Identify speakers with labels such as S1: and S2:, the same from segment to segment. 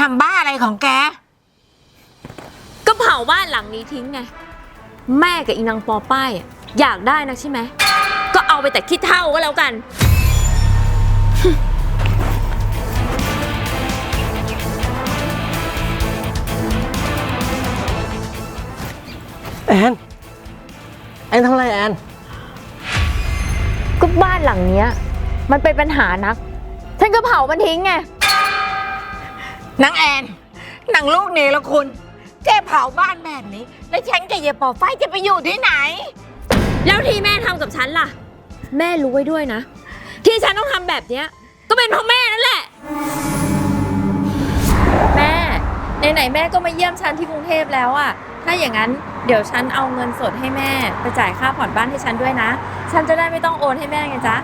S1: ำบ้าอะไรของแก
S2: ก็เผาบ้านหลังนี้ทิ้งไงแม่กับอีนางปอป้ายอยากได้นะใช่ไหมก็เอาไปแต่ขี้เถ้าก็แล้วกัน
S3: แอนทำอะไรแอน
S2: ก็บ้านหลังเนี้ยมันเป็นปัญหานักฉันก็เผามันทิ้งไง
S1: นางแอนนางลูกเนรคุณแกเผาบ้านแบบนี้แล้วฉันกับยายปอไฟจะไปอยู่ที่ไหน
S2: แล้วที่แม่ทำกับฉันล่ะแม่รู้ไว้ด้วยนะที่ฉันต้องทำแบบเนี้ยก็เป็นเพราะแม่นั่นแหละแม่ไหนๆแม่ก็มาเยี่ยมฉันที่กรุงเทพแล้วอะถ้าอย่างนั้นเดี๋ยวฉันเอาเงินสดให้แม่ไปจ่ายค่าผ่อนบ้านให้ฉันด้วยนะฉันจะได้ไม่ต้องโอนให้แม่ไงจ๊ะ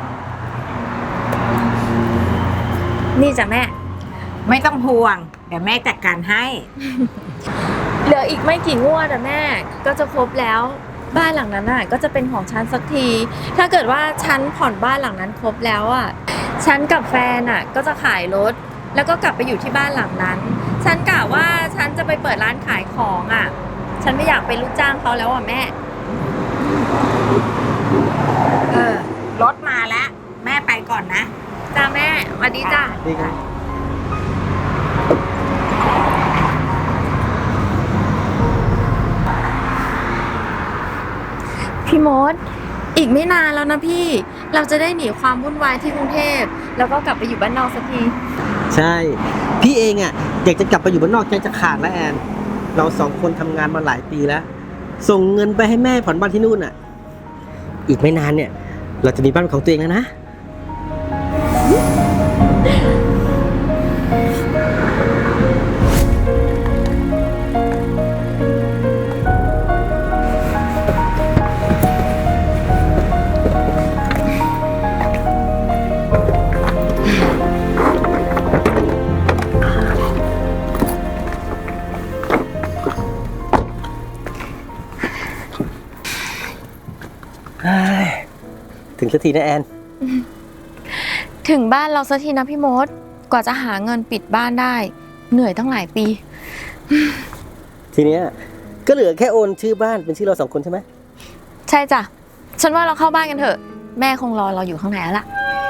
S2: นี่จ้ะแม่
S1: ไม่ต้องห่วงเดี๋ยวแม่จัดการให้
S2: เหลืออีกไม่กี่งวดอะแม่ก็จะครบแล้วบ้านหลังนั้นอะก็จะเป็นของฉันสักทีถ้าเกิดว่าฉันผ่อนบ้านหลังนั้นครบแล้วอะฉันกับแฟนอะก็จะขายรถแล้วก็กลับไปอยู่ที่บ้านหลังนั้นฉันกะว่าฉันจะไปเปิดร้านขายของอะฉันไม่อยากเป็นลูกจ้างเขาแล้วอะแม่
S1: รถมาแล้วแม่ไปก่อนนะ
S2: จ้าแม่สวัสดีจ้า
S3: ดีครับ
S2: พี่มดอีกไม่นานแล้วนะพี่เราจะได้หนีความวุ่นวายที่กรุงเทพแล้วก็กลับไปอยู่บ้านนอกสักที
S3: ใช่พี่เองอ่ะอยากจะกลับไปอยู่บ้านนอกใจจะขาดแล้วแอนเราสองคนทำงานมาหลายปีแล้วส่งเงินไปให้แม่ผ่อนบ้านที่นู่นอ่ะอีกไม่นานเนี่ยเราจะมีบ้านของตัวเองแล้วนะถึงสักทีนะแอน
S2: ถึงบ้านเราสักทีนะพี่มดกว่าจะหาเงินปิดบ้านได้เหนื่อยตั้งหลายปี
S3: ทีเนี้ยก็เหลือแค่โอนชื่อบ้านเป็นชื่อเราสองคนใช่ไหม
S2: ใช่จ้ะฉันว่าเราเข้าบ้านกันเถอะแม่คงรอเราอยู่ข้างในแล้วล่ะ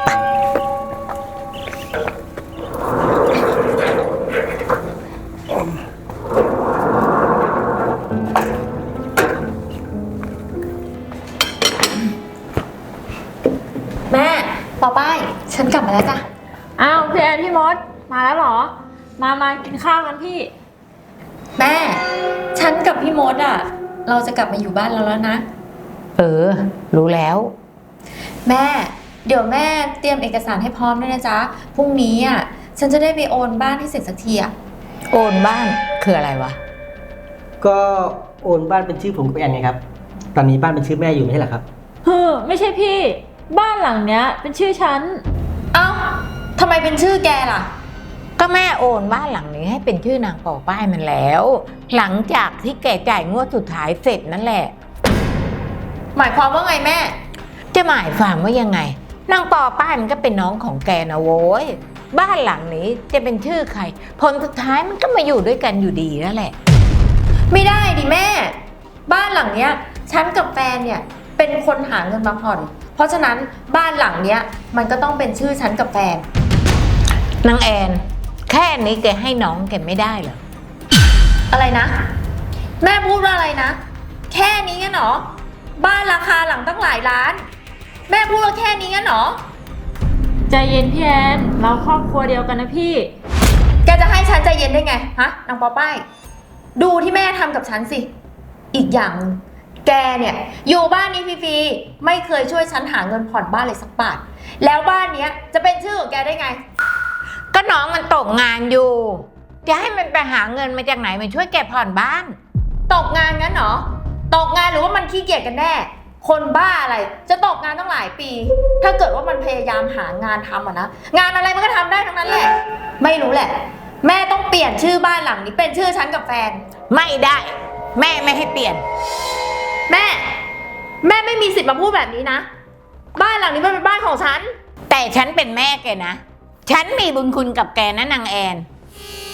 S2: แม่ปอป้ายฉันกลับมาแล้วจ้ะ
S4: อ้าวพี่แอนพี่มดมาแล้วเหรอมากินข้าวกันพี่
S2: แม่ฉันกับพี่มดอ่ะเราจะกลับมาอยู่บ้านเราแล้วนะ
S1: รู้แล้ว
S2: แม่เดี๋ยวแม่เตรียมเอกสารให้พร้อมด้วยนะจ๊ะพรุ่งนี้อ่ะฉันจะได้ไปโอนบ้านให้เสร็จสักทีอ่ะ
S1: โอนบ้านคืออะไรวะ
S3: ก็โอนบ้านเป็นชื่อผมกับแอนไงครับตอนนี้บ้านเป็นชื่อแม่อยู่ไม่ใช่เหรอครับ
S4: ไม่ใช่พี่บ้านหลังเนี้ยเป็นชื่อฉัน
S2: เอ้าทำไมเป็นชื่อแกล่ะ
S1: ก็แม่โอนบ้านหลังนี้ให้เป็นชื่อนางปอป้ายมันแล้วหลังจากที่แกจ่ายงวดสุดท้ายเสร็จนั่นแหละ
S2: หมายความว่าไงแม่
S1: จะหมายความว่ายังไงนางปอป้ายมันก็เป็นน้องของแกนะโว้ยบ้านหลังนี้จะเป็นชื่อใครผลสุดท้ายมันก็มาอยู่ด้วยกันอยู่ดีนั่นแหละ
S2: ไม่ได้ดิแม่บ้านหลังเนี้ยฉันกับแฟนเนี่ยเป็นคนหาเงินมาผ่อนเพราะฉะนั้นบ้านหลังเนี้ยมันก็ต้องเป็นชื่อฉันกับแฟน
S1: นางแอนแค่นี้แกให้น้องแกไม่ได้เหรอ
S2: อะไรนะแม่พูดว่าอะไรนะแค่นี้งั้นหรอบ้านราคาหลังตั้งหลายล้านแม่พูดว่าแค่นี้งั้นหรอ
S4: ใจเย็นพี่แอนเราครอบครัวเดียวกันนะพี่
S2: แกจะให้ฉันใจเย็นได้ไงฮะนางปอป้ายดูที่แม่ทำกับฉันสิอีกอย่างแกเนี่ยอยู่บ้านนี้ฟรีๆไม่เคยช่วยฉันหาเงินผ่อนบ้านเลยสักบาทแล้วบ้านเนี้ยจะเป็นชื่อของแกได้ไง
S1: ก็น้องมันตกงานอยู่จะให้มันไปหาเงินมาจากไหนมาช่วยแกผ่อนบ้าน
S2: ตกงานงั้นเหรอตกงานหรือว่ามันขี้เกียจกันแน่คนบ้าอะไรจะตกงานตั้งหลายปีถ้าเกิดว่ามันพยายามหางานทำนะงานอะไรมันก็ทำได้ทั้งนั้นแหละไม่รู้แหละแม่ต้องเปลี่ยนชื่อบ้านหลังนี้เป็นชื่อฉันกับแฟน
S1: ไม่ได้แม่ไม่ให้เปลี่ยน
S2: แม่ไม่มีสิทธิ์มาพูดแบบนี้นะบ้านหลังนี้มันเป็นบ้านของฉัน
S1: แต่ฉันเป็นแม่แกนะฉันมีบุญคุณกับแกนะนางแอน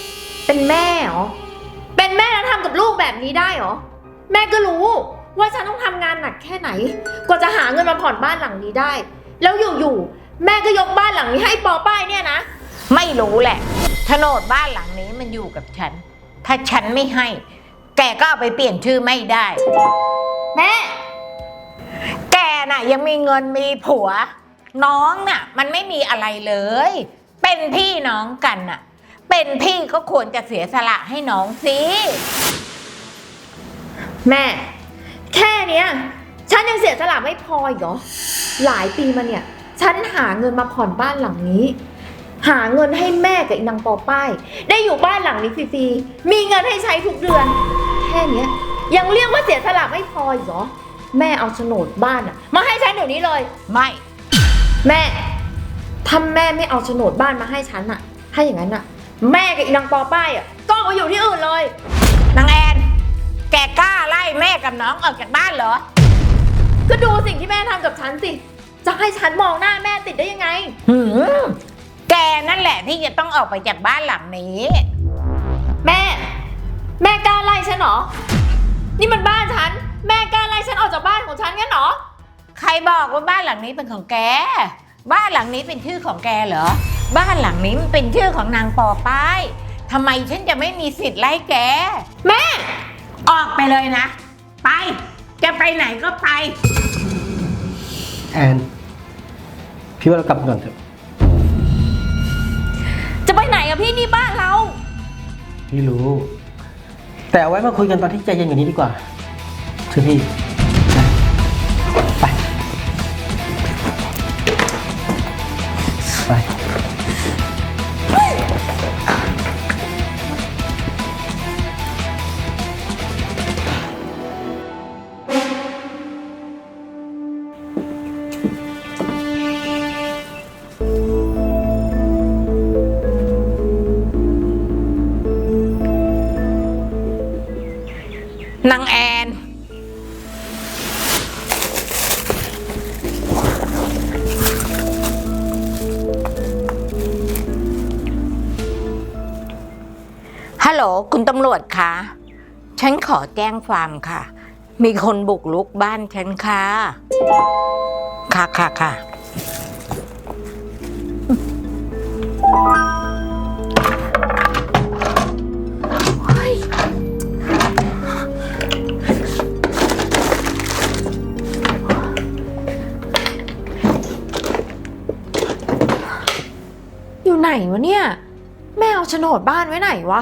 S2: เป็นแม่เหรอ เป็นแม่แล้วทำกับลูกแบบนี้ได้เหรอ แม่ก็รู้ว่าฉันต้องทำงานหนักแค่ไหน กว่าจะหาเงินมาผ่อนบ้านหลังนี้ได้ แล้วอยู่ๆแม่ก็ยกบ้านหลังนี้ให้ปอป้ายเนี่ยนะ
S1: ไม่รู้แหละโฉนดบ้านหลังนี้มันอยู่กับฉัน ถ้าฉันไม่ให้ แกก็เอาไปเปลี่ยนชื่อไม่ได้
S2: แม่
S1: แกน่ะยังมีเงินมีผัว น้องน่ะ มันไม่มีอะไรเลย เป็นพี่น้องกันน่ะ เป็นพี่ก็ควรจะเสียสละให้น้องสิ
S2: แม่ แค่เนี้ยฉันยังเสียสละไม่พออีกเหรอ หลายปีมาเนี่ย ฉันหาเงินมาผ่อนบ้านหลังนี้ หาเงินให้แม่กับอีนางปอป้าย ได้อยู่บ้านหลังนี้ฟรีๆ มีเงินให้ใช้ทุกเดือน แค่เนี้ยยังเรียกว่าเสียสละไม่พออีกเหรอ แม่เอาโฉนดบ้านอะมาให้ฉันเดี๋ยวนี้เลย
S1: ไม่
S2: แม่ถ้าแม่ไม่เอาโฉนดบ้านมาให้ฉันอะถ้าอย่างนั้นอะแม่กับอีนางปอป้ายอะก็เอาไปอยู่ที่อื่นเลย
S1: นางแอน แกกล้าไล่แม่กับน้องออกจากบ้านเหรอ
S2: ก็ดูสิ่งที่แม่ทำกับฉันสิ จะให้ฉันมองหน้าแม่ติดได้ยังไง
S1: หืมแกนั่นแหละที่จะต้องออกไปจากบ้านหลังนี้
S2: แม่ แม่กล้าไล่ฉันเหรอ นี่มันบ้านฉัน แม่กล้าไล่ฉันออกจากบ้านของฉันงั้นเหรอ
S1: ใครบอกว่าบ้านหลังนี้เป็นของแก บ้านหลังนี้เป็นชื่อของแกเหรอ บ้านหลังนี้มันเป็นชื่อของนางปอป้ายทำไมฉันจะไม่มีสิทธิ์ไล่แก
S2: แม่
S1: ออกไปเลยนะ ไป จะไปไหนก็ไป
S3: แอนพี่ว่าเรากลับก่อนเถอะ
S2: จะไปไหนอะพี่นี่บ้านเรา
S3: พี่รู้ แต่เอาไว้มาคุยกันตอนที่ใจเย็นกว่านี้ดีกว่าเชื่อพี่ไปไป
S1: นางแอนฮัลโหลคุณตำรวจคะฉันขอแจ้งความค่ะ มีคนบุกรุกบ้านฉันค่ะ ค่ะ
S2: อยู่ไหนวะเนี่ย แม่เอาโฉนดบ้านไว้ไหนวะ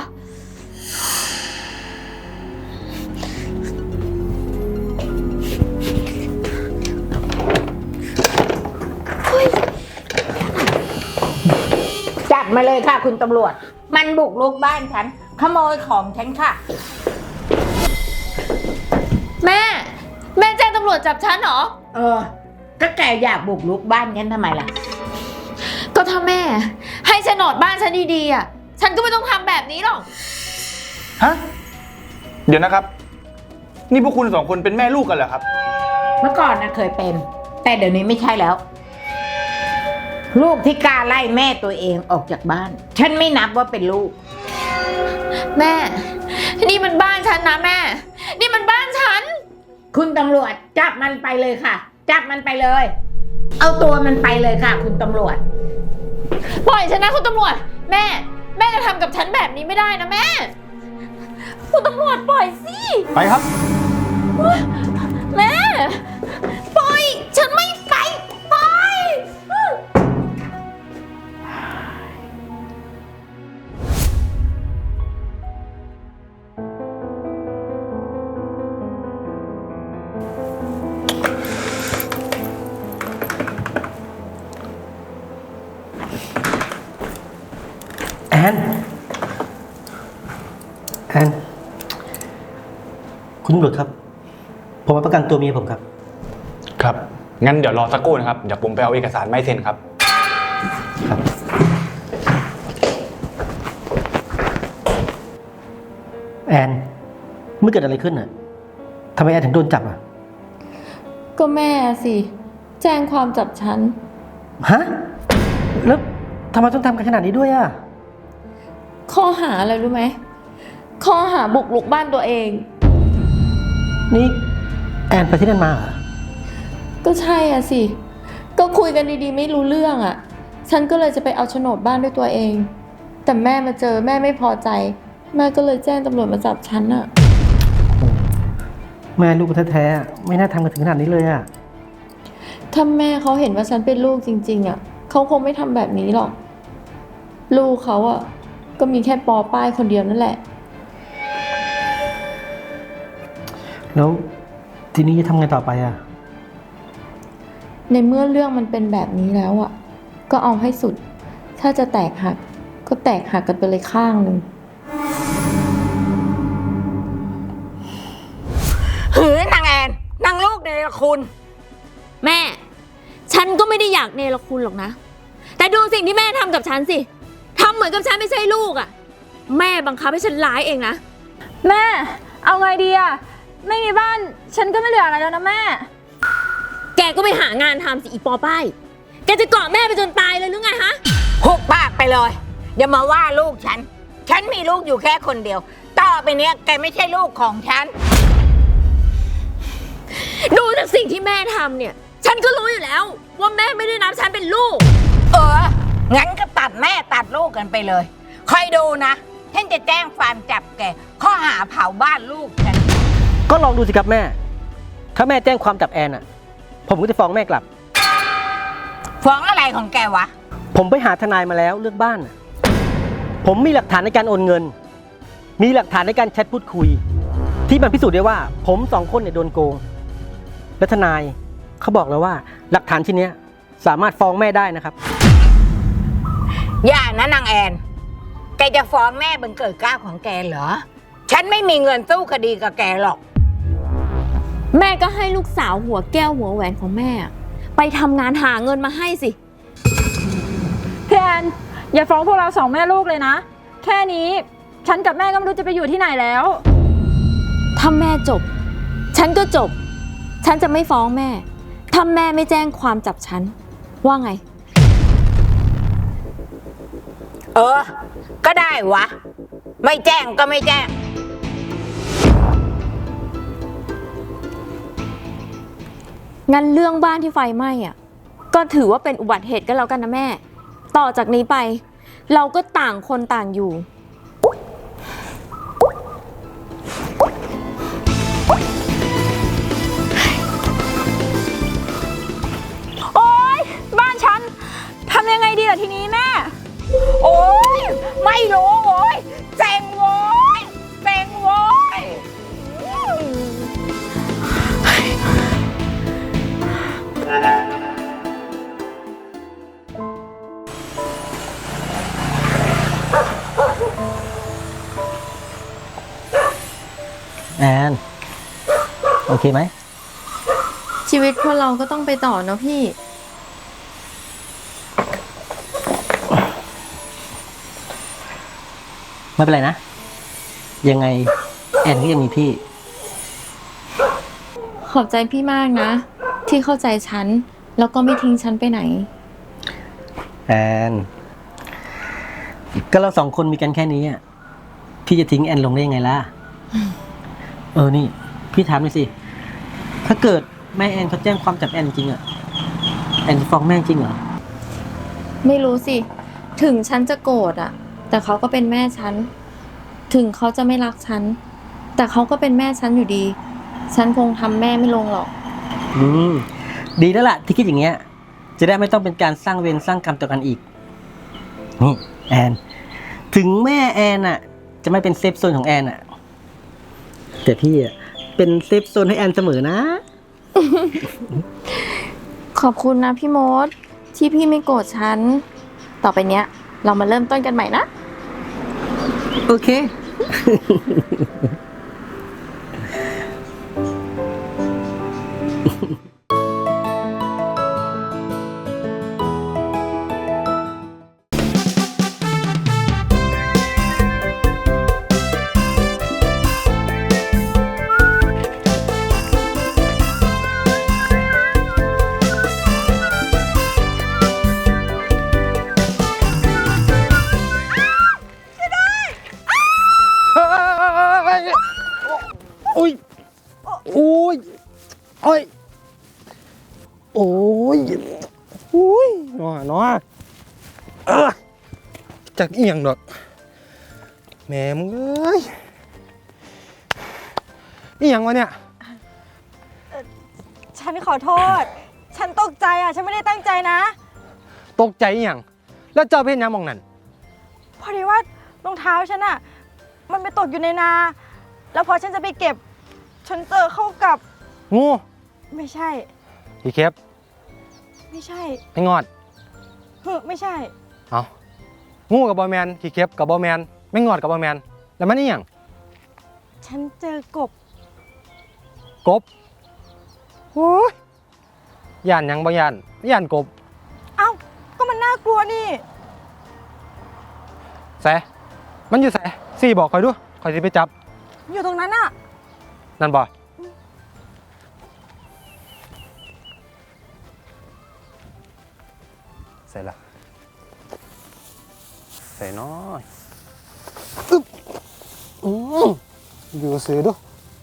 S1: จับมาเลยค่ะคุณตำรวจ มันบุกรุกบ้านฉัน ขโมยของฉันค่ะ
S2: แม่ แม่แจ้งตำรวจจับฉันเหรอ
S1: ก็แกอยากบุกรุกบ้านฉันทำไมล่ะ
S2: ก็ถ้าแม่ ให้โฉนดบ้านฉันดีๆอะฉันก็ไม่ต้องทำแบบนี้หรอก
S5: ฮะ เดี๋ยวนะครับ นี่พวกคุณสองคนเป็นแม่ลูกกันเหรอครับ
S1: เมื่อก่อนนะเคยเป็น แต่เดี๋ยวนี้ไม่ใช่แล้ว ลูกที่กล้าไล่แม่ตัวเองออกจากบ้าน ฉันไม่นับว่าเป็นลูก
S2: แม่ นี่มันบ้านฉันนะแม่ นี่มันบ้านฉัน
S1: คุณตำรวจจับมันไปเลยค่ะ จับมันไปเลย เอาตัวมันไปเลยค่ะ คุณตำรวจ
S2: ปล่อยฉันนะคุณตำรวจ แม่ แม่จะทำกับฉันแบบนี้ไม่ได้นะแม่ คุณตำรวจปล่อยสิ
S5: ไปครับ
S2: แม่ ปล่อย ฉันไม่ไปปล่อย
S3: แอนคุณตำรวจครับ ผมมาประกันตัวเมียผมครับ
S5: ครับ งั้นเดี๋ยวรอสักครู่นะครับ เดี๋ยวผมไปเอาเอกสารไม่เซ็นครับ
S3: ครับ แอนเมื่อเกิดอะไรขึ้นน่ะทำไมแอนถึงโดนจับอ่ะ
S2: ก็แม่สิ แจ้งความจับฉัน
S3: ฮะ แล้วทำไมต้องทำกันขนาดนี้ด้วยอ่ะ
S2: ข้อหาอะไรรู้ไหมข้อหาบุกรุกบ้านตัวเอง
S3: นี่แอนไปที่นั่นมาเหรอ
S2: ก็ใช่อ่ะสิก็คุยกันดีๆไม่รู้เรื่องอ่ะฉันก็เลยจะไปเอาโฉนดบ้านด้วยตัวเอง แต่แม่มาเจอแม่ไม่พอใจแม่ก็เลยแจ้งตำรวจมาจับฉันอ่ะ
S3: แม่ลูกแท้ๆไม่น่าทำกันถึงขนาดนี้เลยอะ
S2: ถ้าแม่เขาเห็นว่าฉันเป็นลูกจริงๆอ่ะเขาคงไม่ทำแบบนี้หรอกลูกเขาอ่ะก็มีแค่ปอป้ายคนเดียวนั่นแหละ
S3: แล้วทีนี้จะทำไงต่อไปอะ
S2: ในเมื่อเรื่องมันเป็นแบบนี้แล้วอ่ะก็เอาให้สุด ถ้าจะแตกหักก็แตกหักกันไปเลยข้างหนึ่ง
S1: หือนางแอนนางลูกเนรคุณ
S2: แม่ ฉันก็ไม่ได้อยากเนรคุณหรอกนะ แต่ดูสิ่งที่แม่ทำกับฉันสิทำเหมือนกับฉันไม่ใช่ลูกอ่ะแม่บังคับให้ฉันร้ายเองนะ
S4: แม่ เอาไงดีอะไม่มีบ้าน ฉันก็ไม่เหลืออะไรแล้วนะแม่
S2: แกก็ไปหางานทำสิอีปอป้ายแกจะเกาะแม่ไปจนตายเลยหรือไงฮะ
S1: หุบปากไปเลยอย่ามาว่าลูกฉัน ฉันมีลูกอยู่แค่คนเดียว ต่อไปเนี้ยแกไม่ใช่ลูกของฉัน
S2: ดูจากสิ่งที่แม่ทำเนี่ย ฉันก็รู้อยู่แล้ว ว่าแม่ไม่ได้นับฉันเป็นลูก
S1: งั้นก็ตัดแม่ตัดลูกกันไปเลยคอยดูนะฉันจะแจ้งความจับแกข้อหาเผาบ้านลูกฉัน
S3: ก็ลองดูสิครับแม่ ถ้าแม่แจ้งความจับแอนอะผมก็จะฟ้องแม่กลับ
S1: ฟ้องอะไรของแกวะ
S3: ผมไปหาทนายมาแล้วเรื่องบ้านน่ะผมมีหลักฐานในการโอนเงิน มีหลักฐานในการแชทพูดคุย ที่มันพิสูจน์ได้ว่าผมสองคนเนี่ยโดนโกง และทนายเขาบอกแล้วว่าหลักฐานชิ้นเนี้ยสามารถฟ้องแม่ได้นะครับ
S1: อย่านะนางแอน แกจะฟ้องแม่บังเกิดเกล้าของแกเหรอ ฉันไม่มีเงินสู้คดีกับแกหรอก
S2: แม่ก็ให้ลูกสาวหัวแก้วหัวแหวนของแม่อะไปทำงานหาเงินมาให้สิ
S4: พี่แอนอย่าฟ้องพวกเราสองแม่ลูกเลยนะ แค่นี้ฉันกับแม่ก็ไม่รู้จะไปอยู่ที่ไหนแล้ว
S2: ถ้าแม่จบ ฉันก็จบ ฉันจะไม่ฟ้องแม่ ถ้าแม่ไม่แจ้งความจับฉัน ว่าไง
S1: ก็ได้วะ ไม่แจ้งก็ไม่แจ้ง
S2: งั้นเรื่องบ้านที่ไฟไหม้อ่ะ ก็ถือว่าเป็นอุบัติเหตุกันแล้วกันนะแม่ ต่อจากนี้ไป เราก็ต่างคนต่างอยู่
S4: โอ๊ย บ้านฉันทำยังไงดีล่ะทีนี้แม่
S1: โอ๊ย ไม่รู้โว้ยเซ็งโว้ยเซ็งโว้ย
S3: แอนโอเคไหม
S2: ชีวิตคนเราก็ต้องไปต่อเนาะพี่
S3: ไม่เป็นไรนะ ยังไงแอนก็ยังมีพี่
S2: ขอบใจพี่มากนะ ที่เข้าใจฉัน แล้วก็ไม่ทิ้งฉันไปไหน
S3: แอนก็เราสองคนมีกันแค่นี้อ่ะพี่จะทิ้งแอนลงได้ยังไงล่ะ นี่พี่ถามหน่อยสิ ถ้าเกิดแม่แอนเขาแจ้งความจับแอนจริงอ่ะแอนจะฟ้องแม่จริงเหรอ
S2: ไม่รู้สิ ถึงฉันจะโกรธอ่ะ แต่เขาก็เป็นแม่ฉัน ถึงเขาจะไม่รักฉัน แต่เขาก็เป็นแม่ฉันอยู่ดี ฉันคงทำแม่ไม่ลงหรอก
S3: ดีแล้วล่ะที่คิดอย่างเงี้ย จะได้ไม่ต้องเป็นการสร้างเวรสร้างกรรมต่อกันอีก นี่แอน ถึงแม่แอนอ่ะ จะไม่เป็นเซฟโซนของแอนอ่ะ แต่พี่อ่ะเป็นเซฟโซนให้แอนเสมอนะ
S2: ขอบคุณนะพี่มด ที่พี่ไม่โกรธฉัน ต่อไปเนี้ย เรามาเริ่มต้นกันใหม่นะ
S3: โอเคโอ้ยโอ้ยโอ้ยโอ้ยโอ้ยหนอจากเอียงดอกแม่มึงเอ้ยอีหยังวะเนี่ย
S4: ฉันขอโทษ ฉันตกใจอ่ะ ฉันไม่ได้ตั้งใจนะ
S3: ตกใจอีหยังแล้วเจ้าเป็นหยังมองนั่น
S4: พอดีว่ารองเท้าฉันอ่ะ มันไปตกอยู่ในนา แล้วพอฉันจะไปเก็บ ฉันเจอเข้ากับ
S3: งู
S4: ไม่ใช่
S3: พี่เข็บ
S4: ไม่ใช่
S3: ไอ้งอด
S4: ไม่ใช่
S3: เอางูกับบอแมนขี้เข็บกับบอแมนไม่งอดกับบอแมนแล้วมันอีหยัง
S4: ฉันเจอกบ
S3: กบโอ้ยย่านหยังบ่ย่านย่านกบ
S4: เอ้า ก็มันน่ากลัวนี่
S3: แสมันอยู่แสสี่บอกคอยดูคอยสิไปจับ
S4: อยู่ตรงนั้นอ่ะ
S3: นั่นบ่ใส่ละใส่น้อยอึ๊บอยู่ซื้อดู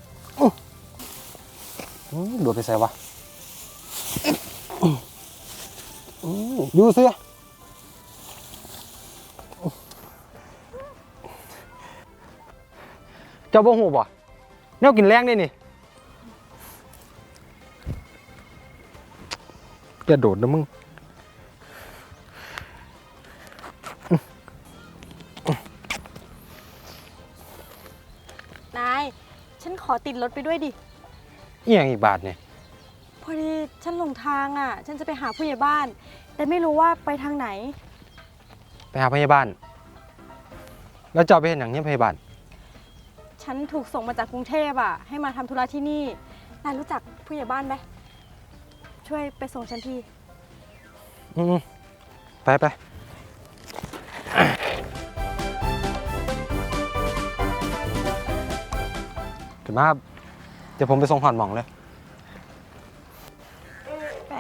S3: โดดไปใส่วะอยู่ซื้อเจ้าบ่หูบ่แนวกินแรงได้นี่อย่าโดดนะมึง
S4: นาย ฉันขอติดรถไปด้วยดิ
S3: อีหยังอีกบาทเนี่ย
S4: พอดีฉันหลงทางอ่ะ ฉันจะไปหาผู้ใหญ่บ้าน แต่ไม่รู้ว่าไปทางไหน
S3: ไปหาพยาบาล แล้วเจ้าไปเห็นอย่างนี้พยาบาล
S4: ฉันถูกส่งมาจากกรุงเทพอ่ะ ให้มาทำธุระที่นี่ นายรู้จักผู้ใหญ่บ้านไหม ช่วยไปส่งฉันที
S3: ไปถึงมาครับเดี๋ยวผมไปส่งหอนหมองเลย
S4: ไป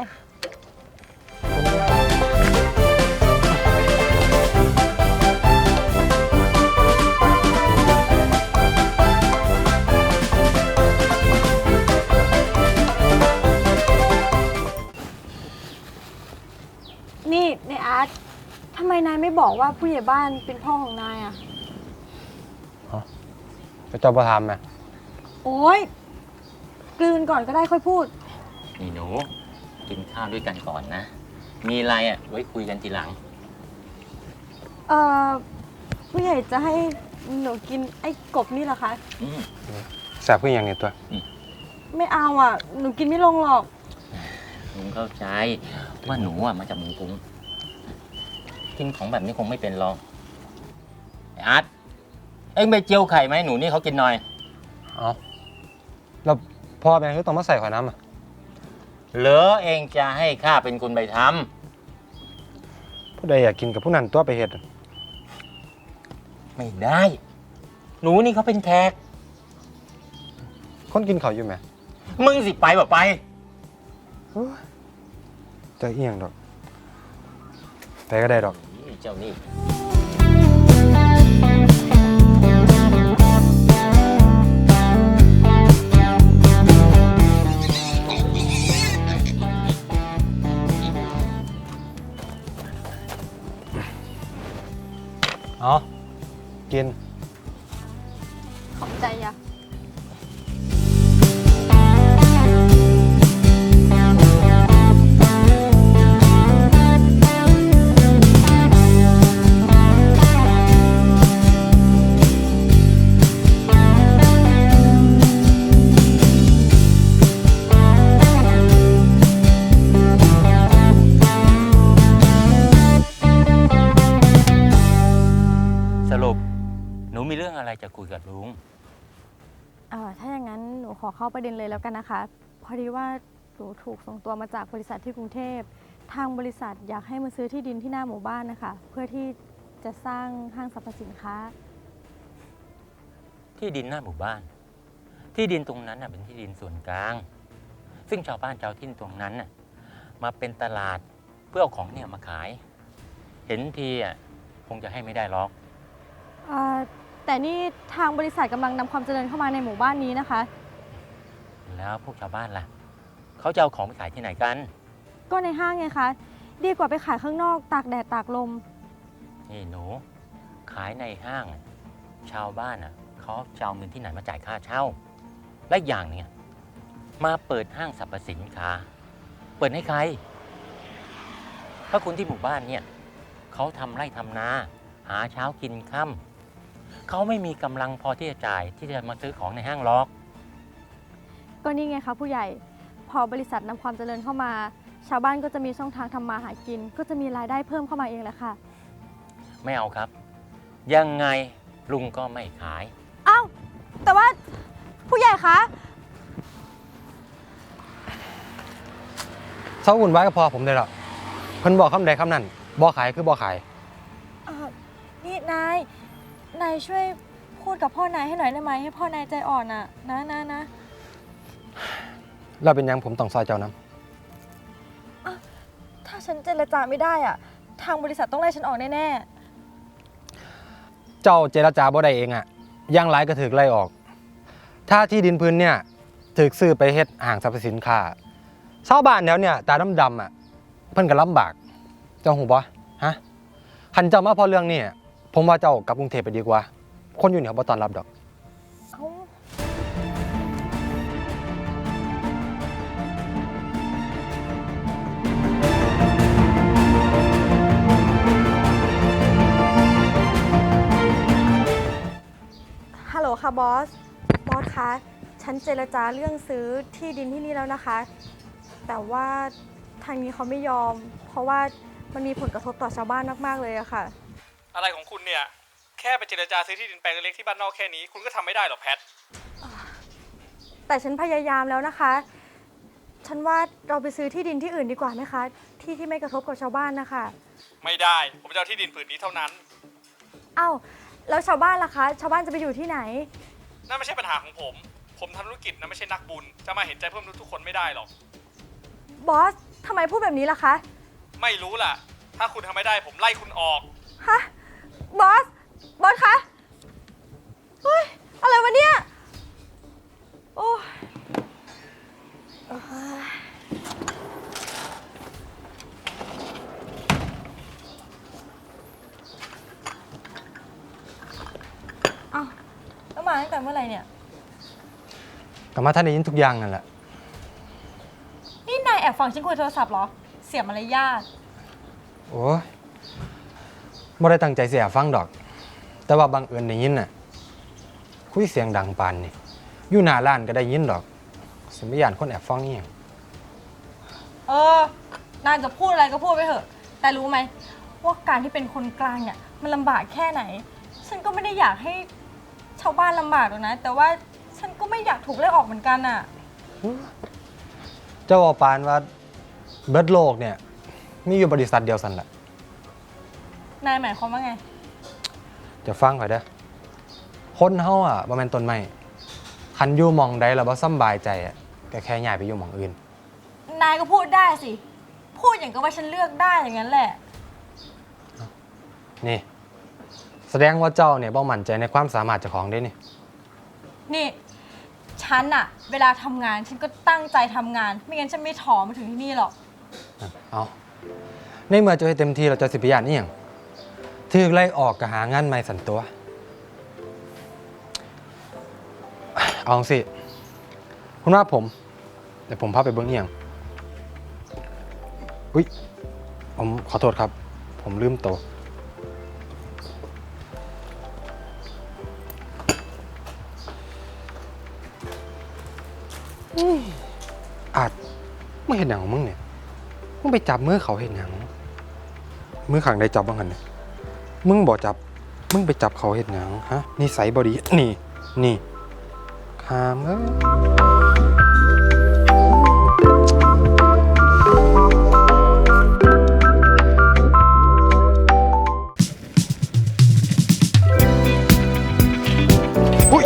S4: นี่ในอาร์ตทำไมนายไม่บอกว่าผู้ใหญ่บ้านเป็นพ่อของนายอ่ะ
S3: ไปเจ้าประทามไหม
S4: โอ๊ย กลืนก่อนก็ได้ค่อยพูด
S6: นี่หนูกินข้าวด้วยกันก่อนนะ มีอะไรอ่ะไว้คุยกันทีหลัง
S4: ผู้ใหญ่จะให้หนูกินไอ้กบนี่เหรอคะ
S6: อืม
S3: แสบขึ้นอย่างนี้ตัว
S4: ไม่เอาอ่ะ หนูกินไม่ลงหรอก
S6: ลุงเข้าใจว่าหนูอ่ะมาจากเมืองกรุงกินของแบบนี้คงไม่เป็นหรอกไอ้อาร์ตเอ็งไปเจียวไข่ไหมหนูนี่เขากินหน่อย
S3: เอาแล้วพ่อแม่ก็ต้องมาใส่ข่อยน้ำอ่ะ
S6: เหรอเองจะให้ข้าเป็นคนไปท
S3: ผู้ใดอยากกินกับผู้นั้นตัวไปเฮ็ด
S6: ำไม่ได้ หนูนี่เขาเป็นแขก
S3: คนกินเขาวอยู่ไหม
S6: มึงสิไปแบบไป
S3: จะเอียงดอกไปก็ได้ดอก
S6: เจ้านี่
S3: เอากิน
S4: ขอบใจอ่ะ
S6: สรุปหนูมีเรื่องอะไรจะคุยกับลุง
S4: ถ้าอย่างนั้นหนูขอเข้าประเด็นเลยแล้วกันนะคะ พอดีว่าหนูถูกส่งตัวมาจากบริษัทที่กรุงเทพ ทางบริษัทอยากให้มาซื้อที่ดินที่หน้าหมู่บ้านนะคะ เพื่อที่จะสร้างห้างสรรพสินค้า
S6: ที่ดินหน้าหมู่บ้าน ที่ดินตรงนั้นน่ะเป็นที่ดินส่วนกลาง ซึ่งชาวบ้านชาวที่ตรงนั้นน่ะมาเป็นตลาดเพื่อเอาของเนี่ยมาขาย เห็นทีอ่ะคงจะให้ไม่ได้หรอก
S4: แต่นี่ทางบริษัทกำลังนำความเจริญเข้ามาในหมู่บ้านนี้นะคะ
S6: แล้วพวกชาวบ้านล่ะเขาจะเอาของไปขายที่ไหนกัน
S4: ก็ในห้างไงคะ ดีกว่าไปขายข้างนอกตากแดดตากลม
S6: นี่หนูขายในห้างชาวบ้านเขาจะเอาเงินที่ไหนมาจ่ายค่าเช่า และอย่างเนี่ยมาเปิดห้างสรรพสินค้าเปิดให้ใครเพราะคนที่หมู่บ้านเนี่ยเขาทำไร่ทำนาหาเช้ากินค่ำเขาไม่มีกำลังพอที่จะจ่ายที่จะมาซื้อของในห้างหรอก
S4: ก็นี่ไงคะผู้ใหญ่ พอบริษัทนำความเจริญเข้ามา ชาวบ้านก็จะมีช่องทางทำมาหากิน ก็จะมีรายได้เพิ่มเข้ามาเองแหละค่ะ
S6: ไม่เอาครับ ยังไงลุงก็ไม่ขาย
S4: อ้าวแต่ว่าผู้ใหญ่คะ
S7: เศร้าวุ่นวายก็พอผมได้หรอกเพิ่นบอกคำใดคำนั้นบ่ขายคือบ่ขาย
S4: นี่นายช่วยพูดกับพ่อนายให้หน่อยได้ไหมให้พ่อนายใจอ่อนอ่ะนะ
S7: เราเป็นหยังผมต้องซอยเจ้านํ
S4: ถ้าฉันเจรจาไม่ได้อ่ะ ทางบริษัทต้องไล่ฉันออกแน่
S7: เจ้าเจรจาบ่ได้เองอะอย่างหลายก็ถูกไล่ออก ถ้าที่ดินพื้นเนี่ยถูกซื้อไปเฮ็ดห้างสรรพสินค้าชาวบ้านแถวเนี่ยตาดำๆอะเพิ่นก็ลำบากเจ้าหูบ่ฮะคันเจ้ามาพอเรื่องนี้ผมว่าเจ้ากลับกรุงเทพไปดีกว่า คนอยู่นี่เขาบ่ต้อนรับดอก
S4: ๆเอ้าฮัลโหลค่ะบอสคะ ฉันเจรจาเรื่องซื้อที่ดินที่นี่แล้วนะคะ แต่ว่าทางนี้เขาไม่ยอม เพราะว่ามันมีผลกระทบต่อชาวบ้านมากๆเลยอะค่ะ
S8: อะไรของคุณเนี่ย แค่ไปเจรจาซื้อที่ดินแปลงเล็กๆที่บ้านนอกแค่นี้คุณก็ทำไม่ได้หรอแพท
S4: แต่ฉันพยายามแล้วนะคะ ฉันว่าเราไปซื้อที่ดินที่อื่นดีกว่าไหมคะ ที่ไม่กระทบกับชาวบ้านนะคะ
S8: ไม่ได้ ผมจะเอาที่ดินผืนนี้เท่านั้น
S4: เอ้าแล้วชาวบ้านล่ะคะ ชาวบ้านจะไปอยู่ที่ไหน
S8: นั่นไม่ใช่ปัญหาของผม ผมทำธุรกิจนะไม่ใช่นักบุญ จะมาเห็นใจเพิ่มทุกคนไม่ได้หรอก
S4: บอสทำไมพูดแบบนี้ล่ะคะ
S8: ไม่รู้ล่ะ ถ้าคุณทำไม่ได้ผมไล่คุณออก
S4: ฮะ บอสคะ เฮ้ย อะไรวะเนี่ย โอ้ยเอ้าแล้วมาตั้งแต่เมื่อไหร่เนี่ย
S7: ก็มาท่านได้ยินทุกอย่างนั่นแหละ
S4: นี่นายแอบฟังฉันคุยโทรศัพท์เหรอ เสียมารยาท
S7: โอ้ยบ่ได้ตั้งใจเสียฟังดอก แต่ว่าบังเอิญได้ยินน่ะคุยเสียงดังปานนี่อยู่หน้าร้านก็ได้ยินดอกสิบ่ย่านคนแอบฟังอีหยัง
S4: นายจะพูดอะไรก็พูดไปเถอะ แต่รู้ไหมว่าการที่เป็นคนกลางเนี่ยมันลำบากแค่ไหน ฉันก็ไม่ได้อยากให้ชาวบ้านลำบากหรอกนะ แต่ว่าฉันก็ไม่อยากถูกไล่ออกเหมือนกันอ่ะ
S7: เจ้าว่าปานว่าเบิดโลกเนี่ยมีอยู่บริษัทเดียวสั่นล่ะ
S4: นายหมายความว่าไง
S7: จะฟังข่อยเด้อคนเฮาอ่ะบ่แม่นต้นไม้คันอยู่หม่องใดแล้วบ่สำบายใจอ่ะก็แค่ย้ายไปอยู่หม่องอื่น
S4: นายก็พูดได้สิ พูดอย่างกับว่าฉันเลือกได้อย่างนั้นแหละ
S7: นี่ แสดงว่าเจ้าเนี่ยบ่มั่นใจในความสามารถเจ้าของเด้นี่
S4: นี่ ฉันอะเวลาทำงานฉันก็ตั้งใจทำงาน ไม่งั้นฉันไม่ถอมาถึงที่นี่หรอก
S7: เอาในเมื่อเจ้าให้เต็มที่เราจะสิไปย่านอีหยังถูกไล่ออกก็หางานใหม่สั่นตัว เอาสิคุณว่าผมเดี๋ยวผมพาไปเบิ่งอีหยังอุ๊ยผมขอโทษครับ ผมลืมโตะอาจมึงเห็นหนังของมึงเนี่ยมึงไปจับมือเขาเห็นหนังมือขังได้จับบ้างกันเนี่ยมึงบอกจับมึงไปจับเขาเห็นหนังฮะนิสัยบอดีนี่คามอุ๊ย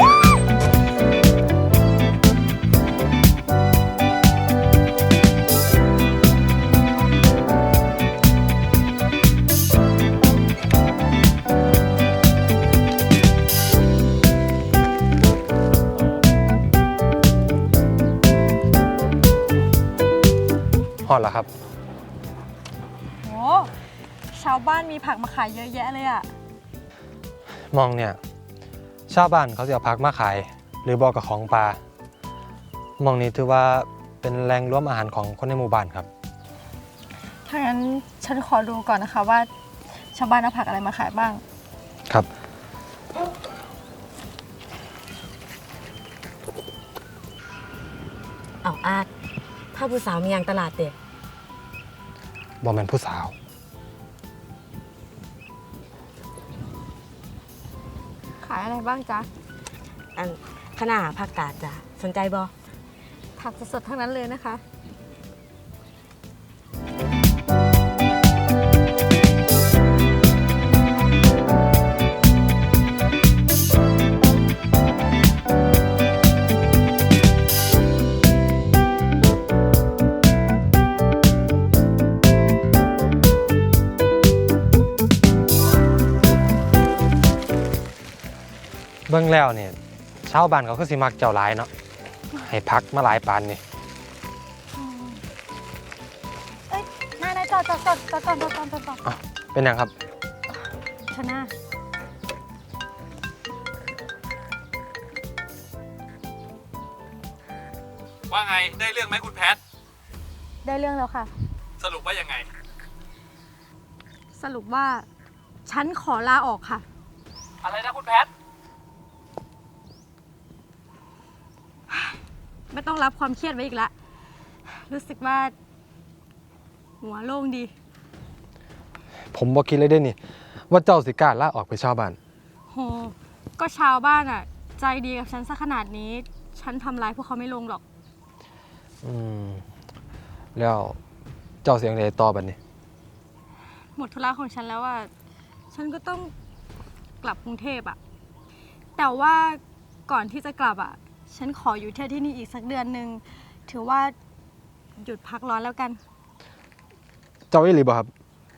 S7: ฮอดแล้วครับ
S4: โหชาวบ้านมีผักมาขายเยอะแยะเลยอะ
S7: มองเนี่ยชาวบ้านเขาจะเอาพักมาขาย หรือบอกกับของปลามองนี้ถือว่าเป็นแหล่งรวมอาหารของคนในหมู่บ้านครับ
S4: ถ้างั้นฉันขอดูก่อนนะคะว่าชาวบ้านเอาผักอะไรมาขายบ้าง
S7: ครับ
S9: เอาอาดถ้าผู้สาวมีอย่างตลาดเด็ด
S7: บอแมนผู้สาว
S4: ขายอะไรบ้างจ๊ะ
S9: อันขนาผักกาดจ้ะสนใจบอ
S4: ผักสดๆทั้งนั้นเลยนะคะ
S7: เบิ่งแล้วเนี่ยชาวบ้านเขาก็สิมักเจ้าหลายเนาะให้พักมาหลายปานนี่
S4: เอ้ยนายจอดก่อน
S7: เป็นหยังครับ
S4: ชนะ
S8: ว่าไง ได้เรื่องไหมคุณแพท
S4: ได้เรื่องแล้วค่ะ
S8: สรุปว่ายังไง
S4: สรุปว่าฉันขอลาออกค่ะ
S8: อะไรนะคุณแพท
S4: ไม่ต้องรับความเครียดไว้อีกละรู้สึกว่า หัวโล่งดี
S7: ผมบอกคิดเลยได้นี่ว่าเจ้าสิกล้าลาออกไปชาวบ้าน
S4: โห ก็ชาวบ้านอ่ะ ใจดีกับฉันซะขนาดนี้ ฉันทำร้ายพวกเขาไม่ลงหรอก
S7: แล้วเจ้าเสียงใดต่อบัดนี้
S4: หมดธุระของฉันแล้วอ่ะ ฉันก็ต้องกลับกรุงเทพอ่ะ แต่ว่าก่อนที่จะกลับอ่ะ ฉันขออยู่ที่นี่อีกสักเดือนหนึ่ง ถือว่าหยุดพักร้อนแล้วกัน
S7: เจ้าอีหลีบ่ครับ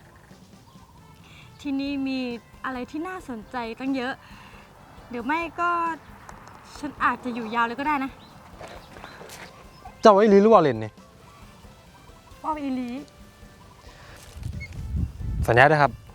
S4: ที่นี่มีอะไรที่น่าสนใจตั้งเยอะ เดี๋ยวไม่ก็ฉันอาจจะอยู่ยาวเลยก็ได้นะ
S7: เจ้าอีหลีหรือว่าเล่นนี่
S4: ว่าอีหลี
S7: สัญญาเด้อครับ